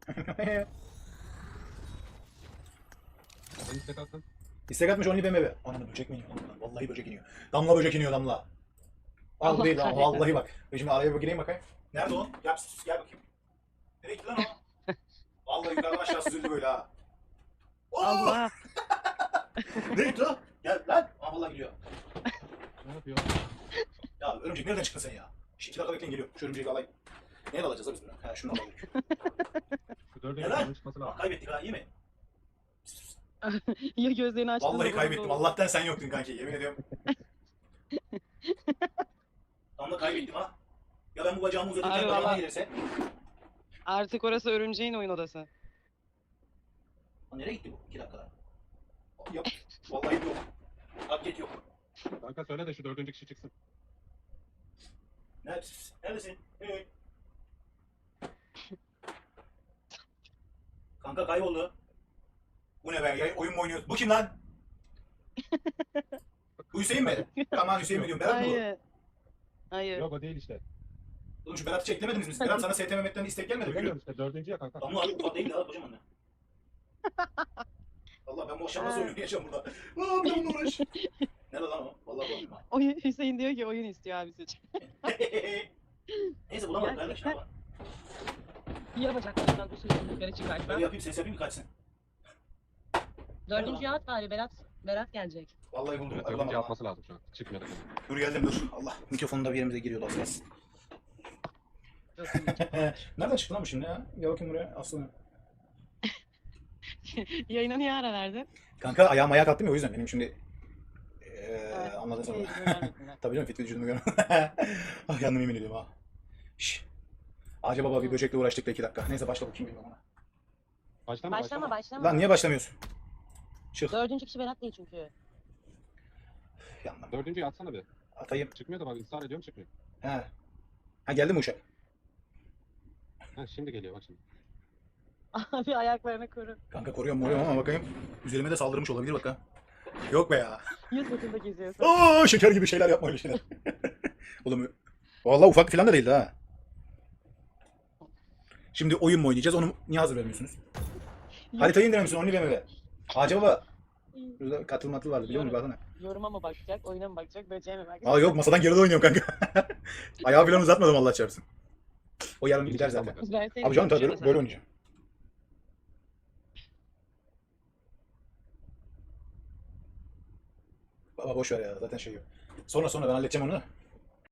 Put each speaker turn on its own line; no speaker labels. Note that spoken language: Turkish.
Ben istek attım.
İstek atmış only BMW. Ananı böcek mi iniyor? Vallahi böcek iniyor. Damla böcek iniyor damla. Al
Allah
değil lan
kahretsin.
vallahi bak. Ben şimdi araya bir gireyim bakayım. Nerede o? Gel, gel bakayım. Nereye gitti lan o? Vallahi yukarıdan aşağı süzüldü böyle ha. Oo!
Allah.
Nereye gitti o? Gel lan. Aa vallahi gidiyor.
Ne yapıyor?
Ya örümcek nereden çıktın sen ya? Şimdi 2 dakika bekleyin geliyor. Şu örümceği alayım. Neye alacağız da biz bunu? Ha şunu alalım.
Şu dördüncü
Neden?
kanın çıkması
Aa,
lazım.
kaybettik ha iyi mi?
Ya gözlerini açtın.
Vallahi kaybettim. Allah'tan sen yoktun kanki. Yemin ediyorum. Tam da kaybettim ha. Ya ben bu bacağımı uzatırken
Abi
bacağıma
valla.
gelirse.
Artık orası örümceğin oyun odası.
Lan nereye gitti bu? 2 dakikada. Yok. Vallahi yok. Update yok.
Kanka söyle de şu dördüncü kişi çıksın.
Neredesin? Neredesin? Evet. Kanka kayboldu. Bu ne be? Ya, oyun mu oynuyoruz? Bu kim lan? Bu Hüseyin mi? Aman Hüseyin mi diyorum? Berat mı bu?
Hayır. Hayır.
Yok o değil işte.
Oğlum şu Berat'ı çeklemediniz mi? Berat sana ST Mehmet'ten istek gelmedi mi?
Bilmiyorum işte dördüncü ya kanka.
Damla abi ufak değil ha kocaman ne? Allah ben bu akşam nasıl oyun oynayacağım burada? Aa bir de bununla uğraş. Nerede lan o? Vallahi buldum ha.
Oyun, Hüseyin diyor ki oyun istiyor abi seç.
Neyse bulamadım
Ya,
kardeş ne yapalım?
Ya bacaklarından bu sürü yukarı çıkartma.
Böyle yapayım ses yapayım ki kaçsın.
Dördüncüyü at bari Berat gelecek.
Vallahi buldum.
Evet,
Ay,
dördüncü
bulamadım ha.
atması lazım şu an. Çıkmıyor da.
Dur geldim dur. Allah mikrofonun da bir yerimize giriyordu az biraz.
Yok,
Nereden çıktı lan bu şimdi ya? Gel bakayım buraya aslında.
Yayına niye ara verdin?
Kanka ayağım ayağa kalktım ya o yüzden benim şimdi
Evet,
anladın sen onu.
izin vermediler.
Tabii canım fit vücudumu görmem. Ah yandım yemin ediyorum ha. Şş. Ağaca baba bir böcekle uğraştık da 2 dakika. Neyse başla bakayım bilmiyorum ona.
Başlama.
Başlama.
Lan niye başlamıyorsun? Çık.
Dördüncü kişi Berat değil çünkü.
Yandım.
Dördüncüyü atsana bir.
Atayım.
Çıkmıyor da bak ısrar ediyorum çıkmıyor.
He. Ha geldi mi uşak?
Ha şimdi geliyor bak şimdi.
Abi ayaklarını koru.
Kanka koruyorum ama bakayım. Üzerime de saldırmış olabilir bak ha. Yok be ya.
100 metrede geziyorsun.
Aa şeker gibi şeyler yapma öyle şeyler. Oğlum vallahi ufak falan da değildi ha. Şimdi oyun mu oynayacağız? Onu niye hazır vermiyorsunuz? Haritayı indiremişsin only BMW. Ağaca baba. Burada katıl matıl vardı biliyor musun? Baksana.
Yoruma mı bakacak, oyuna mı bakacak, böceğe mi bakacak?
Aa yok masadan geride oynuyorum kanka. Ayağı falan uzatmadım Allah çarpsın. O yarın gider zaten.
Ben seni
Abi canım tabii
konuşuyorum
böyle oynayacağım. Baba boş ver ya zaten şey yok. Sonra ben halledeceğim onu.